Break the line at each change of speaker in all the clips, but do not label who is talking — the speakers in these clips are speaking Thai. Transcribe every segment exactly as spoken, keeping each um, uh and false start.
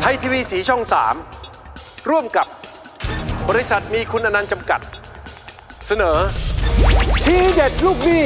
ยทีวีสีช่องสามร่วมกับบริษัทมีคุณอนันต์จำกัดเสนอทีเด็ดลูกหนี้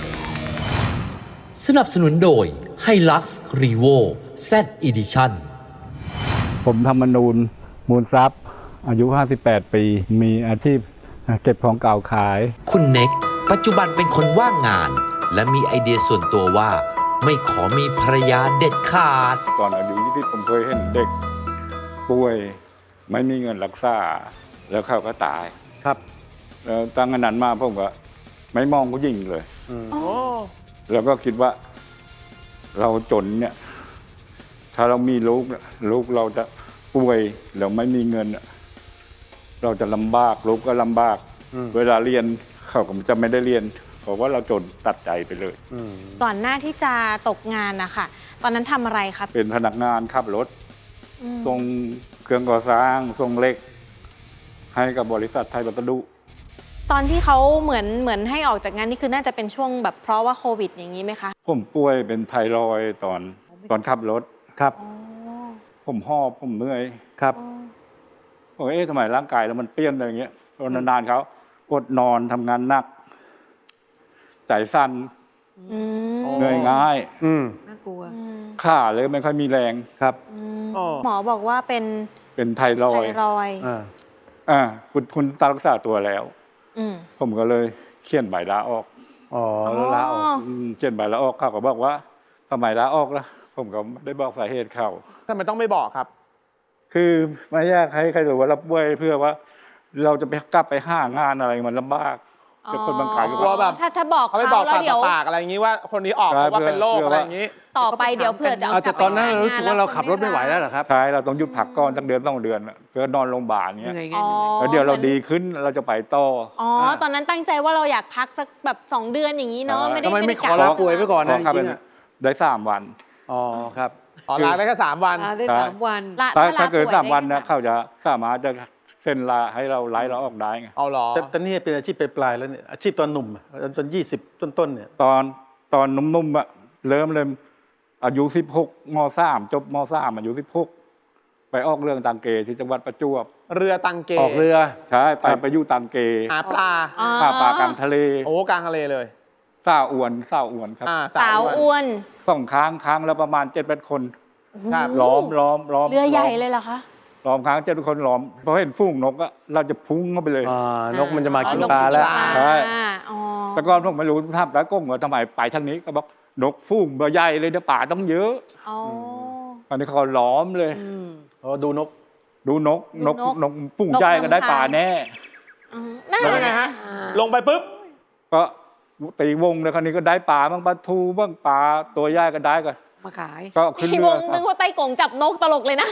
สนับสนุนโดย Hilux Revo Z Edition
ผมธรรมนูญมูลทรัพย์อายุห้าสิบแปดปีมีอาชีพเก็บของเก่าขาย
คุณเน็กปัจจุบันเป็นคนว่างงาน และมีไอเดียส่วนตัวว่าไม่ขอมีภรรยาเด็ดขาด
ตอนอายุยี่สิบผมเคยเห็นเด็กป่วยไม่มีเงินรักษาแล้วเขาก็ตายครับแล้วตั้งแต่นั้นมาผมก็ไม่มองผู้หญิงเลยแล้วก็คิดว่าเราจนเนี่ยถ้าเรามีลูกลูกเราจะป่วยเราไม่มีเงินเราจะลำบากลูกก็ลำบากเวลาเรียนเขาก็จะไม่ได้เรียนเพราะว่าเราจนตัดใจไปเลย
ก่อนหน้าที่จะตกงานนะคะตอนนั้นทำอะไรครับ
เป็นพนักงานขับรถส่งเครื่องก่อสร้างส่งเหล็กให้กับบริษัทไทยวัสดุ
ตอนที่เขาเหมือนเหมือนให้ออกจากงานนี่คือน่าจะเป็นช่วงแบบเพราะว่าโควิดอย่างนี้ไหมคะ
ผมป่วยเป็นไทรอยด์ตอนตอนขับรถครับผมหอบผมเหนื่อยครับผมเอ๊ะทำไมร่างกายแล้วมันเปลี่ยนอะไรอย่างเงี้ยตอนนานๆเขาอดนอนทำงานหนักใจสั่นเหนื่อยง่าย
น่ากลัว
ขาเลยไม่ค่อยมีแรงครับ
หมอบอกว่าเป็น
เป็นไทรอยด์
ไทรอยด์
อ่าคุณคุณตารักษาตัวแล้วผมก็เลยเขียนใบลาออกอ๋อแล้วลาออกเขียนใบลาออกเขาก็บอกว่าทำไมลาออกล่ะผมก็ไม่ได้บอกสาเหตุเขา
ทำไมต้องไม่บอกครับ
คือไม่อยากให้ใครรู้ว่ารับป่วยเพื่อว่าเราจะไปกลับไปห้างานอะไรมันลำบากแต่คนบางคนก็
กลัวแบบ
ถ้าถ้าบอกเขา
แล้วเดี๋ยวปากอะไรอย่างนี้ว่าคนนี้ออกเพราะว่าเป็นโรคอะไรอย่างนี้
ต่อไปเดี๋ยวเผื่อจะ
เอาแต่ตอนนั้นเรารู้สึกว่าเราขับรถไม่ไหวแล้วเหรอครับ
ใช่เราต้องหยุดพักก่อนสักเดือนต้องเดือนเพื่อนอนโรงพยาบาลเงี้ยแล้วเดี๋ยวเราดีขึ้นเราจะไปต่อ
อ๋อตอนนั้นตั้งใจว่าเราอยากพักสักแบบสองเดือนอย่างนี้เนาะไม่ได้
ไม่ขอลาป่วยไปก่อนนะจริง
ๆได้สามวัน
อ๋อครับ
อ๋อลาได้แค่สามวัน
ได้สามวัน
ถ้าเกิดสามวันนะเขาจะสามารถจะเซ็นลาให้เราไล่เราออกได้ไง
เอาหรอ
แต่ตอนนี้เป็นอาชีพปลายๆแล้วเนี่ยอาชีพตอนหนุ่มตอนยี่สิบต้นๆเนี่ย
ตอนตอนนุ่มๆอะเริ่มเริ่มอายุสิบหกมสามจบมสามอายุสิบหกไปออกเรือตังเกที่จังหวัดประจวบ
เรือตังเก
ออกเรือ
ใช่ไปไปอยู่ตังเก
หาปลา
หาปลากลางทะเล
โอ้กลางทะเลเลย
สาวอวนสาวอวนครับ
สาวอวน
สองค้างค้างแล้วประมาณเจ็ดแปดคนล้อมล้อมล้อม
เรือใหญ่เลยเหรอคะ
ล้อมค้างเจ็ดคนล้อมพอเห็นฝูงนกอะเราจะพุ่งเข้าไปเลย
นกมันจะมากินปลาแล้ว
ใช่แต่ก่อนผมไม่รู้ท่ามตาก้งว่าทำไมไปทางนี้ก็บอกนกฟุ้งเบอร์ใหญ่เลยเดี๋ยวป่าต้องเยอะตอนนี้เขาล้อมเลย
อ๋อดูนก
ดูนกนกนกฟุ้งใหญ่ก็ได้ป่าแน่
แล้วยังไงฮะลงไปปุ๊บ
ก็ตีวงเลยคราวนี้ก็ได้ป่าบ้างปลาทูบ้างปลาตัวใหญ่ก็ได้กัน
มาขาย
ก็ขึ้นเรือ
วงนึกว่าไต้กงจับนกตลกเลยนะ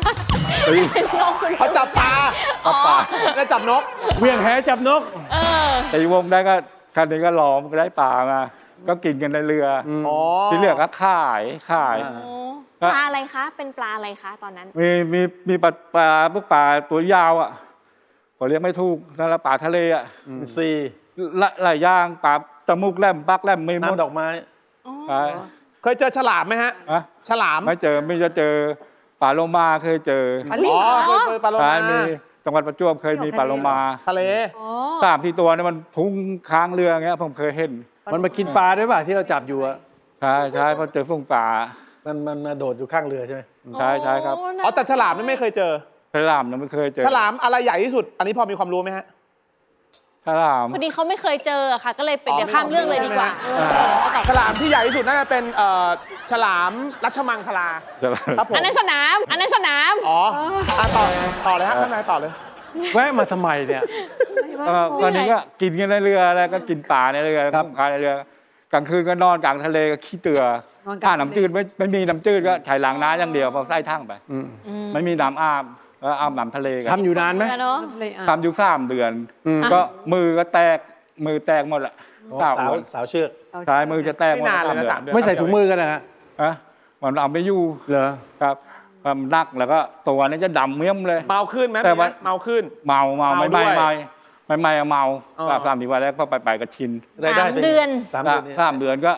เขาจับปลาจับปลาแล้วจับนก
เวียงแหจับนก
ตีวงได้ก็คราวนี้ก็ล้อมก็ได้ป่ามาก็กินกันในเรือที่เรือก็ขายขาย
ปลาอะไรคะเป็นปลาอะไรคะตอนนั้น
มีมีมีปลาปลาพวกปลาตัวยาวอ่ะผมเรียกไม่ถูกนั่นแหละปลาทะเลอ่ะ
ซี
หลายย่างปลาตะมุกแหลมปักแหลมไม่หมด
ดอกไม้
เคยเจอฉลามไหมฮะฉลาม
ไม่เจอไม่จะเจอปลาโลมาเคยเจอ
อ๋อเคยเจอปลาโลมา
มีจังหวัดประจวบเคยมีปลาโลมา
ทะเล
สามที่ตัวนี่มันพุ่งค้างเรือเงี้ยผมเคยเห็น
มันมากินปลาด้วยป่ะที่เราจับอยู่อะ
ใช่ใช่เพราะเจอฟุ้งปลา
มันมันมาโดดอยู่ข้างเรือใช่ไหม
ใช่ใช่ครับ
อ๋อแต่ฉลามนี่ไม่เคยเจอ
ฉลามนี่ไม่เคยเจอ
ฉลามอะไรใหญ่ที่สุดอันนี้พอมีความรู้ไหมฮะ
ฉลาม
พอดีเขาไม่เคยเจอค่ะก็เลยเป็นเดี๋ยวข้ามเรื่องเลยดีกว่า
ฉลามที่ใหญ่ที่สุดน่าจะเป็นฉลามรัชมังคลา
ครับผมอันนั้นสนามอันนั้นสนาม
อ๋อต่อต่อเลยฮะท่านนายต่อเลย
แวะมาทำไมเนี่ย
ตอนนี้ก็กินกันในเรือแล้วก็กินปลาในเรือครับพายในเรือกลางคืนก็นอนกลางทะเลก็ขี้เตือถ้าน้ำจืดไม่ไม่มีน้ำจืดก็ใช้ล้างน้ำอย่างเดียวพอไส้ทั้งไปไม่มีน้ำอาบก็อาบน้ำทะเลกัน
ทำอยู่นานไหม
ทำอยู่สามเดือนก็มือก็แตกมือแตกหมดละ
สาวสาวเชือก
ใช่มือจะแตกหมด
ไม่ใส่ถุงมือกันนะฮะ
อ่ะมันเอาไม่อยู่
เหรอ
ครับความนักแล้วก็ตัวนี้จะดำเมี่ยมเลย
เมาขึ้นไหม
แต่ว่า
เมาขึ้น
เมาเมาไม่ไม่ไม่ไม่ไม่เมาสามสี่วันแรกก็ไปไปกับชิน
สามเดือน
สามเดือนก็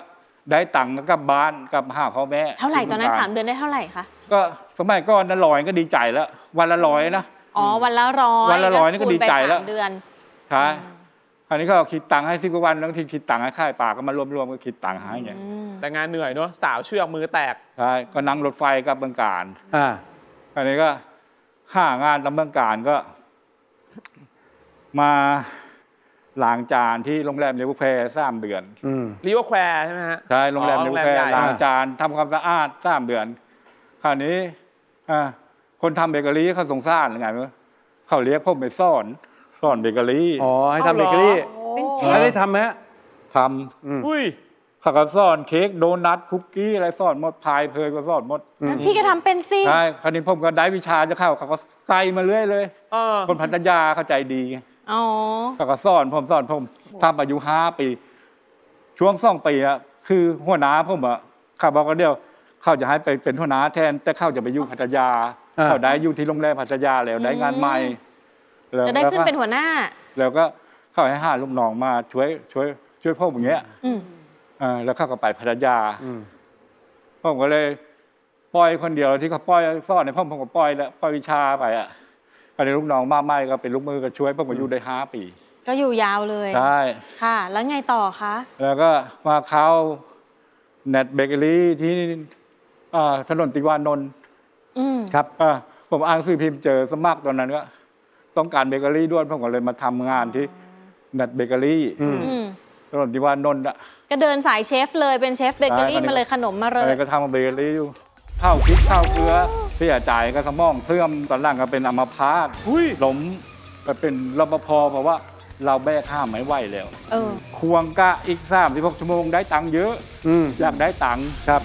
ได้ตังค์ก็กลับบ้านกลับหาพ่อแม่
เท่าไหร่ตอนนั้นสามเดือนได้เท่าไหร่คะ
ก็สมัยก่อนนั้นร้อยก็ดีใจแล้ว วันละร้อยนะ
อ๋อวันละร้อย
วันละร้อยนี่ก็ดีใจแล้ว
คูณไปสามเดือน
ใช่คราวนี้ก็คิดตังค์ให้สิบกว่าวันแล้วทีคิดตังค์ให้ค่ายปากก็มารวมๆก็คิดตังค์ให้ไง
อืม
แต่งานเหนื่อยเนอะสาวเชือกมือแตก
ใช่ก็นั่งรถไฟกลับเมืองการ
อ่า
คราวนี้ก็ห้างานตามเมืองการก็ มาล้างจานที่โรงแรมเลวแพรสามเดือน
อืม
รีวอร์แควร์ใช่ไหมฮะ
ใช่โรงแรม
อ๋อ
เล
โรง
ว
แรม
แพร
ใหญ่
ล้างจานทำความสะอาดสามเดือน คราวนี้อ่าคนทำเบเกอรี่เขาสงสารหรือไงไม่รู้เขาเรียกผมไปสอนสอนเบเกอรี่
อ๋อ ให้ทำเบเกอรี่
เป็นเช
ไม่
ฟ
ได้ทำไหมฮะ
ท
อืม
อุ้ย
ำเขาก็สอนเค้กโดนัทคุกกี้อะไรสอนหมดพายเพยก็สอนหมด
อืม
งั้นพี่ก็ทำเป็นสิ
ใช่คราวนี้ผมก็ได้วิชาจะเข้าเขาก็ใส่มาเรื่อยเลย
เออ
คนพัทยาเข้าใจดีไง
อ๋อ
เขาก็สอนผมสอนผมทำอายุห้าปี ช่วงสองปีอะคือหัวหน้าผมอะเขาบอกว่าเดียวเขาจะให้ไปเป็นหัวหน้าแทน แต่เขาจะไปอยู่พัทยา
อ่า
เขาได้อยู่ที่โรงแรมพัทยาแล้วได้งานใหม่แล้ว
จะได้ขึ้นเป็น
แล้วก็
หัวหน้า
แล้วก็เขาให้หาลูกน้องมาช่วยช่วยช่วยพวกอย่างเงี้ย
อืม
อ่าแล้วเขาก็ไปพัทยา
อืม
ผมก็เลยปล่อยคนเดียวที่เขาปล่อยสอนในพ่อผมก็ปล่อยแล้วปล่อยวิชาไปอ่ะก็เลยลูกน้องมาใหม่ก็เป็นลูกมือก็ช่วยผมก็อยู่ได้ห้าปี
ก็อยู่ยาวเลย
ใช่
ค่ะ แล้วไงต่อคะ
แล้วก็มาเข้าเน็ตเบเกอรี่ที่อ่าถนนติวานนท์
อืม
ครับ
อ่าผมอ่านหนังสือพิมพ์เจอสมัครตอนนั้นก็ต้องการเบเกอรี่ด้วยผมก็เลยมาทำงานที่เน็ตเบเกอรี่
อืม
อืม
ถนนติวานนท์อ่ะ
ก็เดินสายเชฟเลยเป็นเชฟเบเกอรี่
ใช่
มาเลยขนมมาเล
อะไร
ย
ก็ทำเบเกอรี่อยู่ข้าวพริกข้าวเกลือเสียใจก็สมองเสื่อมตอนหลังก็เป็นอัมพาต
อุ้ย
ล้มไปเป็นรปภเพราะว่าเราแบกข้ามไม่ไหวแล้ว
เออ
ควงกะอีกสามสิบหกชั่วโมงได้ตังค์เยอะ
อืม
อยากได้ตังค์
ครับ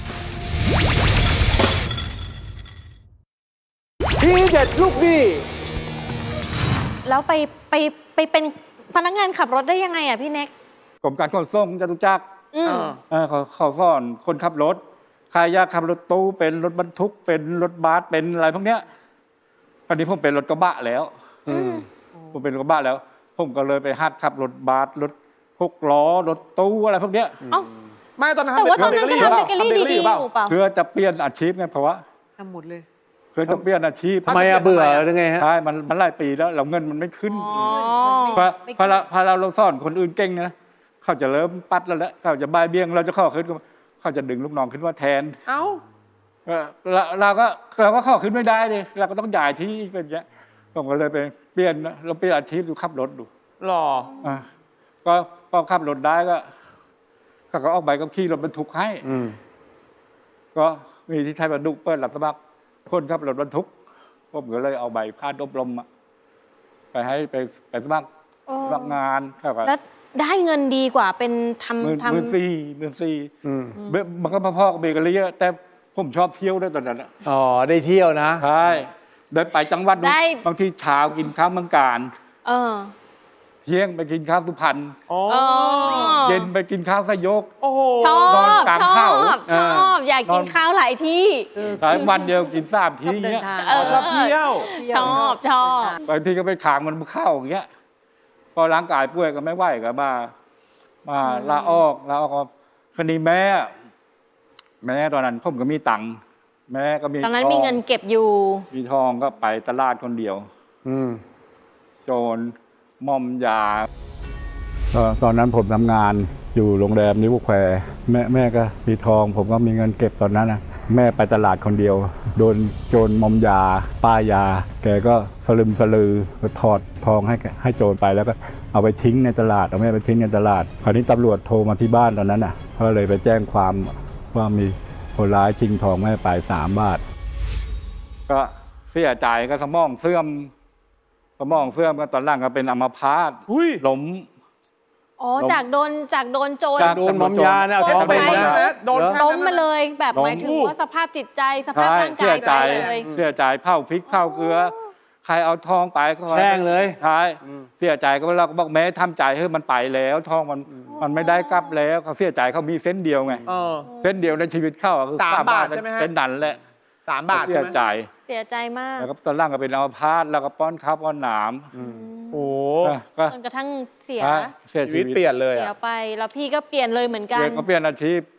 ทีเด็ดลูกดี
แล้วไปไปไปเป็นพนักงานขับรถได้ยังไงอ่ะพี่เน็ก
กรมการขนส่งจตุจักร
อืม
เออ
เออเขาเขาสอนคนขับรถใครอยากขับรถตู้เป็นรถบรรทุกเป็นรถบัสเป็นอะไรพวกเนี้ยตอนนี้ผมเป็นรถกระบะแล้ว
อืม
ผมเป็นรถกระบะแล้ว ผมก็เลยไปหัดขับรถบัสรถหกล้อรถตู้อะไรพวกเนี้ย
เอ้า
ไม่ตอนนั้น
แต่ว่าตอนนั้นก็ทำเบเกอรี่
ทำ
ดีๆ
เปล่า
อยู่เปล่า
เพื่อจะเปลี่ยนอาชีพไงเพราะว่า
ทำหมดเลย
เพื่อจะเปลี่ยนอาชีพ
ทำไมอะเบื่อหรือไงฮะ
ใช่มันมันหลายปีแล้วเราเงินมันไม่ขึ้น
อ๋อ
พอพอเราพอเราเราสอนคนอื่นเก่งนะเขาจะเริ่มปัดแล้วแหละเขาจะบายเบี้ยงเราจะเข้าขึ้นเขาจะดึงลูกน้องขึ้นว่าแทน
เอ้า
เออเราเราก็เราก็เข้าขึ้นไม่ได้เลยเราก็ต้องย้ายที่เป็นอย่างเงี้ยผมก็เลยไปเปลี่ยนเราเปลี่ยนอาชีพดูขับรถดู
หล่อ
อ่ะก็พอขับรถได้ก็เขาก็ออกใบกับขี่รถบรรทุกให้
อืม
ก็มีที่ไทยบรรทุกเปิดรับสมัครคนขับรถบรรทุกผมก็เลยเอาใบพาดอบรมอะไปให้ไปไปสมัคร
โอ้
สมัครงานเขาก็
แล้วได้เงินดีกว่าเป็น
หมื่น
ทำ
หมื่น
ทำ
สี่หมื่นสี่
อืม
เบมันก็พ่อๆกับเบเกอรี่อะแต่ผมชอบเที่ยวด้วยตอนนั้นอะ
อ๋อ ได้เที่ยวนะ
ใช่เดินไปจังหวัดนู้น
ได้
บางทีเช้ากินข้าวเมืองการ
เออ
เที่ยงไปกินข้าวสุพรรณ
อ๋อ
อ๋อ
เย็นไปกินข้าวสยก
โอ้โห
ชอน
อน
บ
กลาง
ชอ
เขา
บ
เอ
ช
อ
อบอยากกิน
นอน
ข้าวหลายที่
เออ
หลายวันเดียวกินสามที
ชอบเดิน
เงี้ย
ทาง
เออ
ชอบเที่ยว
ชอบชอบ
บางทีก็ไปขางมันเข้าอย่างเงี้ยพอร่างกายป่วยก็ไม่ไหวก็มามาลาออกลาออกก็คดีแม่ แม่ตอนนั้นผมก็มีตังค์แม่ก็มี
ตอนนั้น
ทง
มีเงินเก็บอยู่
มีทองก็ไปตลาดคนเดียว
อืม
โจรมอมยาตอนนั้นผมทำงานอยู่โรงแรมนิวแควร์แม่แม่ก็มีทอง ผมก็มีเงินเก็บตอนนั้นนะแม่ไปตลาดคนเดียว โดนโจรมอมยา ป้ายยา แกก็สลึมสลือถอดทองให้ให้โจรไปแล้วก็เอาไปทิ้งในตลาดเอาแม่ไปทิ้งในตลาดคราวนี้ตำรวจโทรมาที่บ้านตอนนั้นน่ะก็เลยไปแจ้งความว่ามีคนร้ายชิงทองแม่ไปสามบาท ก็เสียใจก็สมองเสื่อมสมองเสื่อมก็ตอนหลังก็เป็นอัมพาต
อุ้ย
ล้ม
อ๋อ จากโดนจากโดนโจร
จาก
โดนมอมยาเนี่ยเอาทองไป
โดน
นะ
ไป
โดน
ล้มมาเลย แบบ
ล้ม
หมายถึงว่าสภาพจิตใจสภาพ
ใช่
ร่าง
เสี
กาย
ใจ
ไปเลย
เสียใจเผาพริกเผาเกลือ ใครเอาทองไปก็
แช่งเลย
ใช่
อืม
เสียใจก็เราก็บอกแม่ทำใจให้มันไปแล้วทองมันมันไม่ได้กลับแล้วเขาเสียใจเขามีเส้นเดียวไง
เออ
เส้นเดียวในชีวิตเขาอะคือ
สามบาท
เป็น
ใช่ไหมฮะ
เป็นดันแหละ
สามบาท
เสี
ใช่
ย
ไหม
ใจ
เสียใจมาก
แล้วก็ตอนหล่างก็เป็นอัมพาตแล้วก็ป้อนข้าวป้อนหนาม
อืม
โอ้
ก็
จนกระทั่งเสีย
ใช่เสีย
ชี
ชี
วิ
วิ
ต
ต
เปลี่ยนเลย
เสีย
อ่ะ
ไป แล้วพี่ก็เปลี่ยนเลยเหมือนกั
เป
น
ลี่ยนก็เปลี่ยนอาชีพ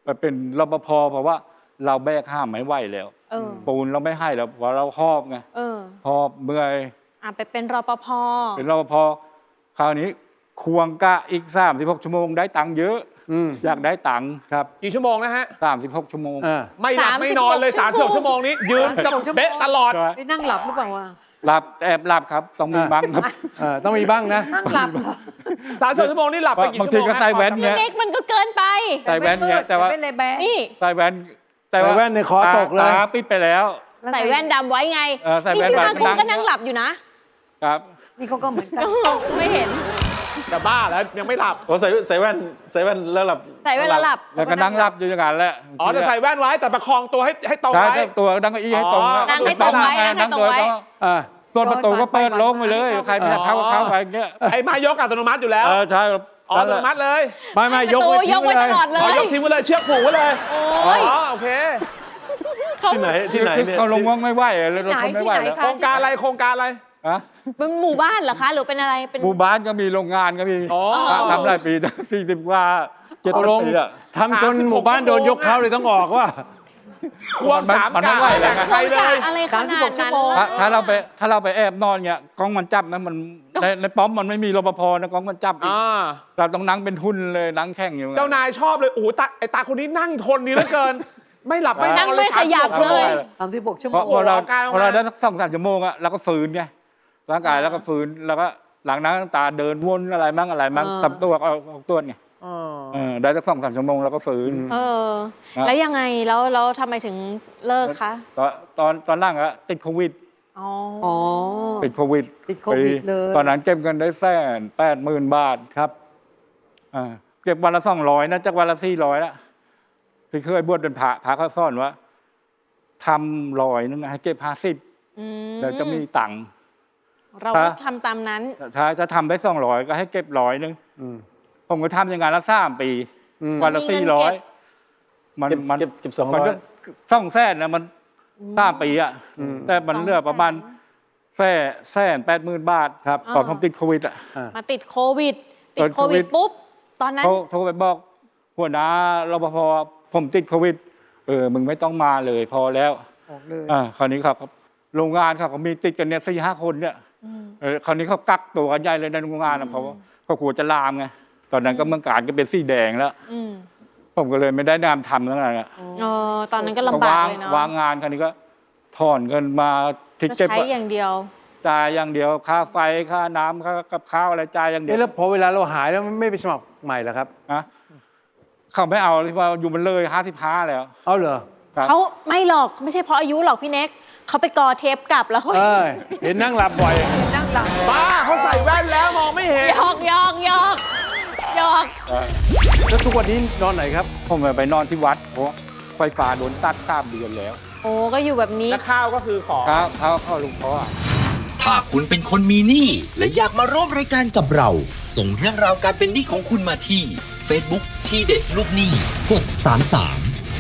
ไปเป็นรปภเพราะว่าเราแบกห้ามไม่ไหวแล้ว
เออ
ปูนเราไม่ให้แล้วเพราะเราหอบไง
เออ
หอบเมื่อย
อ่ะไปเป็นรปภ
เป็นรปภคราวนี้ควงกะอีกสามสิบหกชั่วโมงได้ตังค์เยอะ
อืม
อยากได้ตังค์
ครับ
กี่ชั่วโมงนะฮะ
สามสิบหกชั่วโมง
อ่า
ไม่หลับ
สามสิบ
ไม่นอนเลย
หก
สามสิบหกชั่วโมงนี้ ยืนกับเบ๊ะตลอด
ใช่
ไปนั่งหลับหรือเปล่าวะ
หลับแอบหลับครับ ต้องมีบ้างครับ
เออต้องมีบ้างนะ
นั่งหลับเหรอ
สามสิบหกชั่วโมงนี่หลับไปกี่
บาง
ชั่ว
ที
โมง
ก็ใส่แว่น
พี่เน็กมันก็เกินไป
ใส่แว่นเนี่ยแต่ว่า
ไม่เลยแบะ
นี่
ใส่แว่น
ใส่แว่นในคอตกเลย
ตาปิดไปแล้ว
ใส่แว่นดำไว้ไง
เออใส่
นี่
แว่น
พี่มา
ดำ
กุ้ง
นั่ง
ก็นั่งหลับอยู่นะ
ครับ
นี่เขาก็เหมือนกัน
ไม่เห็น
จะบ้าแล้วยังไม่หลับ
โอ้ใส่ใส่แว่นใส่แว่นแล้วหลับ
ใส่แว่นแล้วหลับ
แล้วก็นั่งหลับอยู่อย่างนั้นแหละ
อ๋อจะใส่แว่นไว้แต่ประคองตัวให้ให้ตรง
ใช่
ไว้
ตัวนั่งเก้าอี้ให้ตรง
อ๋อ
นั่งให้ตรงไว้นั่งให้ตรงไว้
อ่า
ส่วนประตูก็เปิดโล่งไปเลย ใครไม่อยากเข้าก็เข้าไปอย่างเงี้ย
ไอ้ไม้ยกอัตโนมัติอยู่แล้ว
เออใช่
อ๋ออัตโนมัติเลย
ไม่ไม่ยก
ประตู
ไว้
ยกไว้ตลอดเล
อ๋อย ยกทิ้งไว้เลยเชือกผูกไว้เลย
โอ้
อ๋อย โอเค
เขา
ที่ไหนที่ไหนเนี่ย
เขาลงว่างไม่ไหวเลยเราทนไม่ไหวแล้ว
โครงการอะไรโครงการอะไร
ฮะ
เป็นหมู่บ้านเหรอคะ หรือเป็นอะไรเป็น
หมู่บ้านก็มีโรงงานก็มี
อ๋อ
ทำหลายปีสี่สิบกว่าเจ็ด
เอาลง
ปีอะ
ทำจนหมู่บ้านโดนยกเขาเลยต้องออกว่า
ควงสาม
มันไม่
กา
ไหว
แบ่ง
แล้ว
ใครเลย
อะไรขนาดนั้น
ถ้าถ้าเราไปถ้าเราไปแอบนอนเงี้ยกล้องมันจับนะมันในในป้อมมันไม่มีรปภนะกล้องมันจับอีก
อ่า
เราต้องนั่งเป็นทุนเลยนั่งแข่งอยู่
เจ้านายชอบเลยโอ้โหตาไอ้ตาคนนี้นั่งทนดีเหลือเกิน ไม่หลับไม่น
นั่
อง น
ไม่ขยับเลย
สามสิบหกชั่ว
เพ
โม
ราะ
ง
พอเรา
ออกกำลังกาย
พอเราได้สักสองสามชั่วโมงอะเราก็ฟื้นไงร่างกายแล้วก็ฟื้นแล้วก็หลังนั้นตาเดินวนอะไรมั่งอะไรมั่งทำตัวเอาเอาตัวไง
อ๋อ
เออได้สักสองสามชั่วโมงแล้วก็ฟื้น
เออ แล้วยังไงแล้วแล้วทำไมถึงเลิกคะ
ตอนตอนตอนล่างอะติดโควิด
อ๋อ
อ๋อ
ติดโควิด
ติดโควิดเลย
ตอนนั้นเก็บเงินได้แสนแปดหมื่นบาท
ครับ
อ่าเก็บวันละสองร้อยนะจากวันละสี่ร้อยละที่เคยบวชเป็นพระพระเขาสอนว่าทำร้อยนึงให้เก็บห้าสิบ
อืม
แล้วจะมีตังค์
เราก็ทำตามนั้น
ถ้าจะทำได้สองร้อยก็ให้เก็บร้อยนึง
อืม
ผมก็ทำอย่างนั้นละสามปี
อืม
วันละ
มีเงิ
สี่
น
ร้อ
เก็
ย
บ
มัน
เก็บ
มัน
เก็บเก็บสอง
มัน
ร้อย
ก็สองแสนนะมันสามปีอะ
อืม
แต่มันเหลือประมาณแสนแสนแปดหมื่นบาท
ครับ
ตอนผมติดโควิดอะ
อ่า
มาติดโควิด ติ
ต
ด
อน
โควิด
โควิด
ปุ๊บ ตอนนั้น
เขาโทรไปบอกหัวหน้ารปภผมติดโควิด เออมึงไม่ต้องมาเลยพอแล้ว
ออกเลย
อ่าคราวนี้ครับโรงงานครับเขามีติดกันเนี่ยสี่ห้าคนเนี่ย
อืม
เออคราวนี้เขากักตัวกันใหญ่เลยในโรงงานนะเพราะว่าเขากลัวจะลามไงตอนนั้นก็เมืองการก็เป็นสีแดงแล้ว
อืม
ผมก็เลยไม่ได้นามทำแล้วไง
เออตอนนั้นก็ลำบากเลยเนาะ
วางงานคราวนี้ก็ถอนเงินมาทิก
ก็
เก็ต
ใช้อย่างเดียว
จ่ายอย่างเดียวค่าไฟค่าน้ำค่ากับข้าวอะไรจ่ายอย่างเดีย
เอ๊ะ
ว
แล้วพอเวลาเราหายแล้วไม่ไปสมัครใหม่เหรอครับ
นะเขาไม่เอาที่ว่าอยู่มันเลยห้าสิบห้าแล้ว
เอาเหรอ
ครับ
เขาไม่หรอกไม่ใช่เพราะอายุหรอกพี่เน็กเขาไปกอเทปกลับแล้วเขา
เออเห็นนั่งหลับบ่อย
นั่งหลับ
บ้าเขาใส่แว่นแล้วมองไม่เห็น
หยอกหยอกหยอกหยอก
แล้วทุกวันนี้นอนไหนครับ
ผมไปนอนที่วัดเพราะไฟฟ้าโดนตัดข้ามเดือนแล้ว
โอ้ก็อยู่แบบนี้
และข้าวก็คือของ
ครับเขาเข้าลุงพ่อ
ถ้าคุณเป็นคนมีหนี้และอยากมาร่วมรายการกับเรา ส่งเรื่องราวการเป็นหนี้ของคุณมาที่ Facebook ที่เด็ดลูกหนี้กดสามสาม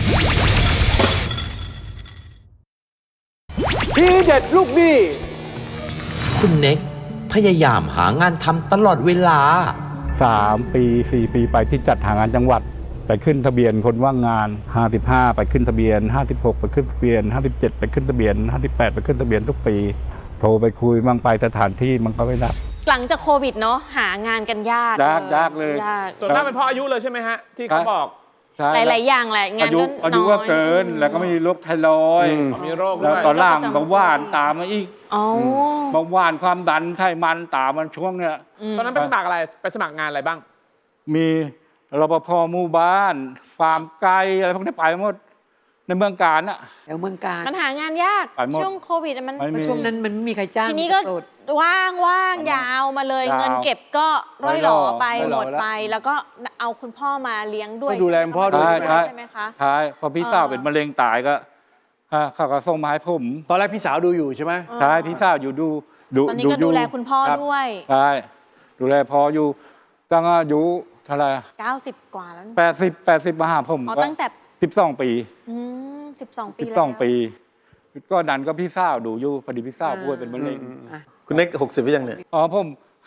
ทีเด็ดลูกหนี้
คุณเน็กพยายามหางานทำตลอดเวลา
สามปีสี่ปีไปที่จัดหางานจังหวัด ไปขึ้นทะเบียนคนว่างงานห้าสิบห้าไปขึ้นทะเบียนห้าสิบหกไปขึ้นทะเบียนห้าสิบเจ็ดไปขึ้นทะเบียนห้าสิบแปดไปขึ้นทะเบียนทุกปี โทรไปคุยมั่งไปสถานที่มันก็ไม่รับ
หลังจากโควิดเนาะหางานกันยาก
ยากยากเลย
ยาก
ส่วนมากเป็นเพราะอายุเลยใช่ไหมฮะ ที่เขาบอก
ใช่
หลาย ๆ อย่างแหละงาน
อายุ
ก็
อา
น้
ยุ
อย
ก็เกินแล้วก็มีโรคไทรอยด์
อืม
มีโรค
แล้
ด้
ว
วย
ตอนล่างเบาหวานตามมาอีก
อ๋อ
เบาหวานความดันไขมันตามมันช่วงเนี้ย
ม
ตอนนั้นไปสมัครอะไร ไปสมัครงานอะไรบ้าง
มีรปภหมู่บ้าน ฟาร์มไก่อะไรพวกนี้ไปหมดในเมืองการน่ะ
แถวเมืองการ
มันหางานยาก
ไปหมด
ช่วงโควิดอะมัน
ไม่
เพราะช่วงนั้นมันไม่มีใครจ้าง
ทีนี้ก็
โดด
ว่างว่างยาวมาเลย
ยาว
เงินเก็บก็ร่อยหล่อไป
ร่อยห
ห
ล่
ม
อ
ด
แล้ว
ไป แล้วก็เอาคุณพ่อมาเลี้ยงด้วย
ก็ดูแลคุณพ่อด้วย
ใช่ไหม
ใช่
ใช่ไหมคะ
ท้ายพอพี่สาวเป็นมะเร็งตายก็ฮะเขาก็ส่งมาให้ผม
ตอนแรกพี่สาวดูอยู่ใช่ไหม
เออ
ท้ายพี่สาวอยู่ดูดู
ตอนนี้ก็
ยู่
ดูแลคุณพ่อ
รับ
ด้วย
ใช่ดูแลพออยู่ตั้งอายุเท่าไหร่
เก้าสิบกว่าแล้ว
แปดสิบแปดสิบมาหาผม
อ๋อ
ก็
ตั้งแต่
สิบสองปี
อืมสิบสองปี
สิบ
แล้ว
สองปี ก็นั้นก็พี่สาวดูอยู่พอดีพี่สาวป่วยเป็นมะเร็ง
อ่ะ
คุณเน็กหกสิบหรือยังเนี่ย
อ๋อผม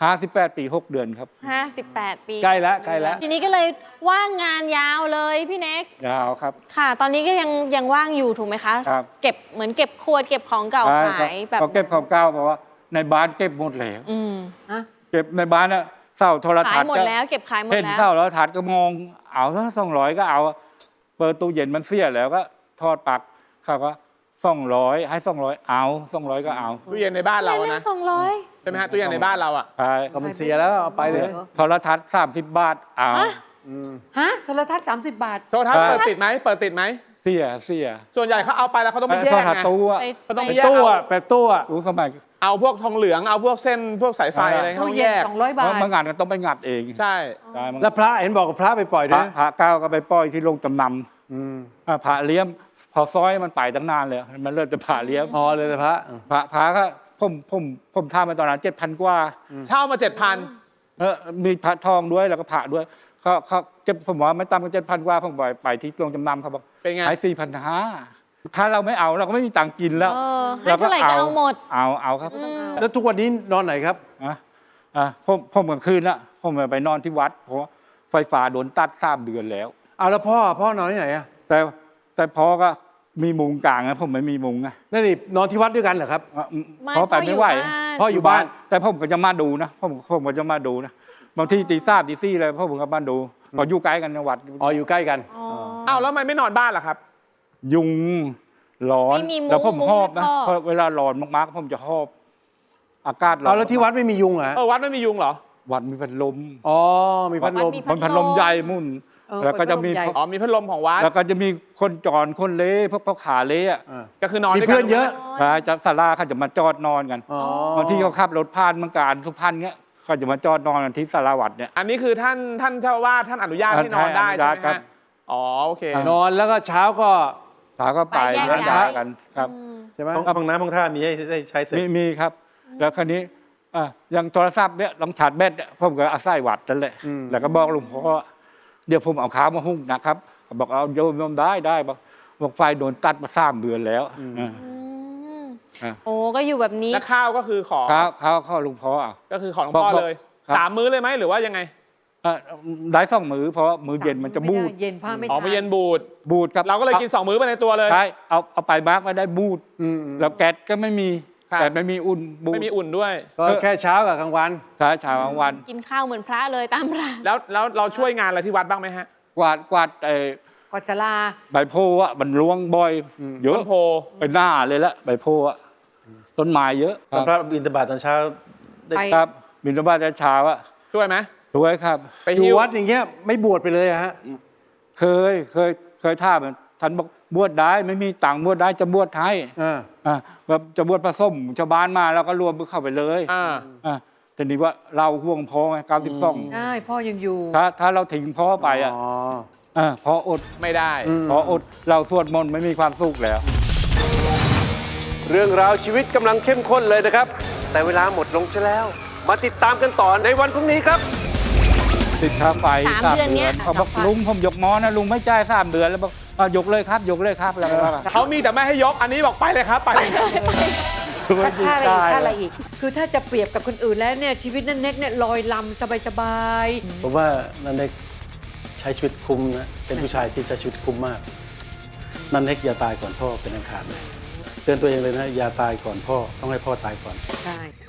ห้าสิบแปดปีหกเดือนครับ
ห้าสิบแปดปี
ใกล้แล้วใกล้แล้ว
ทีนี้ก็เลยว่างงานยาวเลยพี่เน็ก
ยาวครับ
ค่ะ ตอนนี้ก็ยังยังว่างอยู่ถูกไหมคะ
ครับ
เก็บเหมือนเก็บขวดเก็บของเก่า
ใช่
ขายแบบ
เขาเก็บของเก่าเพราะว่าในบ้านเก็บหมดแล้ว
อืม
เก็บในบ้านน่ะเสาโทร
ขา
ทั
ย
ศน์
หมด
ก็
แล้วเก็บขายหมด
เห็น
แล้ว
เสาแล้วทัศน์ก็มองเอาถ้าสองร้อยก็เอาเปิดตู้เย็นมันเสียแล้วก็ทอดปลักเขาก็สองร้อยให้สองร้อยเอาสองร้อยก็เอา
ตู้เย็นในบ้านเรา
เล่
อะ
น
นะ
สองร้อย
ใช่ไหมฮะตู้เย็นในบ้านเราอะ
ใช่
ก็มันเสียแล้วเอาไปเลย
โทรทัศน์สามสิบบาทเอา
ฮะโทรทัศน์สามสิบบาท
โทรทัศน์
ครับ
เปิดติดไหมเปิดติดไหม
เสียเสีย
ส่วนใหญ่เขาเอาไปแล้วเขาต้องไปแย
โทร
ก
ทัศ
ไง
น์ตู้อะ
ไป
ก็ต้อง
ไป
ไปแยก
ตู้
เอา
อะแบบตู้อะ
ตู้สมัย
เอาพวกทองเหลืองเอาพวกเส้นพวกสายไฟอะไรเขา
ตู้
ต้อง
เย็
แย
น
ก
สองร้อยบาท
เมื่องานก็ต้องไปงัดเอง
ใช่
ใช่มั้ง
แล้วพระเห็นบอกกับพระไปปล่อย
พ
ด้
ระ
วย
พระเก้าก็ไปปล่อยที่โรงจำน
อืม
ำอ่ะพระเลี้ยมพอซอยมันไปตั้งนานเลยมันเริ่มจะพระเลี้ยม
พอเลยแต่พระ
พระพระก็ผมผมผมทำมาตอนนั้นเจ็ดพันกว่า
เช่ามาเจ็ดพัน
เออมีพระทองด้วยแล้วก็พระด้วยเขาเขาเจ็ดผมว่าไม่ต่ำกว่าเจ็ดพันกว่าผมไปไปที่โรงจำนำเขาบอก
เป็นไง
ขายสี่พันห้าถ้าเราไม่เอาเราก็ไม่มีตังค์กินแล้ว
เออให้เท่าไหร่จะเอาหมด
เอาเอาครับ
อืม
แล้วทุกวันนี้นอนไหนครับ
อ่ะอ่ะผมผมกลางคืนละผมไปนอนที่วัด เพราะว่าไฟฟ้าโดนตัดสามเดือนแล้ว
เอาแล้วพ่อพ่อนอนที่ไหนอะ
แต่แต่พอก็มีมุงกลางนะผมไม่มีมุงไง
นั่นนี่นอนที่วัดด้วยกันเหรอครับ
อ่ะ
ไม่
เพราะไปไม่ไหว
พ่ออยู่บ้าน
แต่ผมก็จะมาดูนะผมผมก็จะมาดูนะบางทีตีสามตีสี่เลยพ่อผมก็มาดูพออยู่ใกล้กันในวัด
อ๋ออยู่ใกล้กัน
อ๋อ
อ้าวแล้วทำไมไม่นอนบ้านล่ะครับ
ยุงร้อน
ไม่มีมุ้ง
แล้วผม
มุ้ง
หอบนะ
ให้พ่อ
เพราะเวลาร้อนมากๆผมจะหอบ อากาศร้อน
เอาแล้วที่วัดไม่มียุงเหรอฮะ
เออวัดไม่มียุงเหรอ
วัดมีพัดลม
อ๋อมีพัดลม
วัดมี
มันพัดลมใหญ่มุ่น
เออ
แล้วก็จะมี
พัดลมใหญ่
อ๋อมีพัดลมของวัด
แล้วก็จะมีคนจรคนเละพวกพวกขาเละอ่ะ
อ่า
ก็คือนอน
มี
ด้วยกั
เพื่อนเยอะ
พระจะศาลาเขาจะมาจอดนอนกัน
อ๋อบ
างทีเขาขับรถผ่านเมืองการสุพรรณเงี้ยเขาจะมาจอดนอนกันที่ศาลาวัดเนี่ย
อันนี้คือท่านท่านเจ้าอาวาสท่านอนุญาตให้นอนได้
ใช่
ใช่ไหม
อนุญาตครั
ฮะ
บ
อ๋อโอเค
นอนแล้วก็เช้าก็
พาก็ไป
ไปแยก
แล้ว
ย้าย
กันครับ
อืม
ใช่ไหม
ห้องห้องน้ำห้องท่ามีให้ให้ใช้เสร็จ
มีมีครับ แล้วคราวนี้อ่ะอย่างโทรศัพท์เนี่ยลองชาร์จแบตเนี่ยผมก็อาศัยวัดนั่นแหละ
อืม
แล้วก็บอกหลวงพ่อว่าเดี๋ยวผมเอาข้าวมาหุ้งนะครับบอกเอาโยมโยมได้ได้บอกบอกไฟโดนตัดมาสามเดือนแล้วอ่า
อืม
อ่ะ
โอ้ก็อยู่แบบนี้
และข้าวก็คือขอ
ข้าวข้าวข้าวหลวงพ่อเอา
ก็คือของหลวงพ่อ
บอก
เลย
ครับ
สามมื้อเลยไหมหรือว่ายังไง
อ่ะได้สองมือเพราะว่ามือเย็นมันจะบูด
ไได้เย็นผ้าไม่
อ๋อไม่เย็นบูด
บูดครับ
เราก็เลยกินสองมื้อไปในตัวเลย
ใช่เอาเอาไปมากไม่ได้บูด
อืม
แล้วแก๊สก็ไม่มี
ครับ
แต่ไม่มีอุ่นบูด
ไม่มีอุ่นด้วย
ก็แค่เช้ากับกลางวัน
ใช่เช้ากลางวัน
กินข้าวเหมือนพระเลยตามร้าน
แล้วแล้วเราช่วยงานอะไรที่วัดบ้างไหมฮะ
กวาดกวาดไอ้
กอดชลา
ใบโพอ่ะมันร่วงบ่อย
อืม
เยอะ
ต้นโพ
ไปหน้าเลยละใบโพอ่ะต้นไม้เยอะ
ตอนพระบิณฑบาตตอนเช้าได้
ไป
ครับบินบาตเช้าอ่ะ
ช่วยไหม
สวยครับ
ไป
อยู่
หิ้ว
วัดอย่างเงี้ยไม่บวชไปเลยอะฮะ
เคยเคยเคยท่ามันท่านบอกบวชได้ไม่มีตังค์บวชได้จะบวชให้
อ่า
อ่ะแบบจะบวชผสมชาวบ้านมาแล้วก็รวมเข้าไปเลย
อ่า
อ่ะแต่นี่ว่าเราห่วงพ่อไงเก้าสิบสอง
ใช่พ่อยังอยู่
ถ้าถ้าเราทิ้งพ่อไปอ่ะ
อ๋อ
อ่ะพออด
ไม่ได้
อืม
พออดเราสวดมนต์ไม่มีความสุขแล้ว
เรื่องราวชีวิตกำลังเข้มข้นเลยนะครับ แต่เวลาหมดลงซะแล้ว มาติดตามกันต่อในวันพรุ่งนี้ครับ
ติดค่าไฟ
สามเดือนเนี้ย
เขาบอกลุงผมยกมอนะลุงไม่จ่ายสามเดือนแล้วบอกอ่ะยกเลยครับ ยกเลยครับแล้วก็ว่า
เขามีแต่ไม่ให้ยก อันนี้บอกไปเลยครับ ไปเลยครับ
ไม่
ถ้าอะไร
ได้
อีกถ้าอะไรอีก คือถ้าจะเปรียบกับคนอื่นแล้วเนี่ยชีวิตนั่นเน็กเนี่ยลอยลำสบาย
ผมว่านันเน็กใช้ชีวิตคุ้มนะ เป็นผู้ชายที่ใช้ชีวิตคุ้มมาก นันเน็กอย่าตายก่อนพ่อเป็นอันขาดเลย เตือนตัวเองเลยนะ อย่าตายก่อนพ่อ ต้องให้พ่อตายก่อน
ๆใช่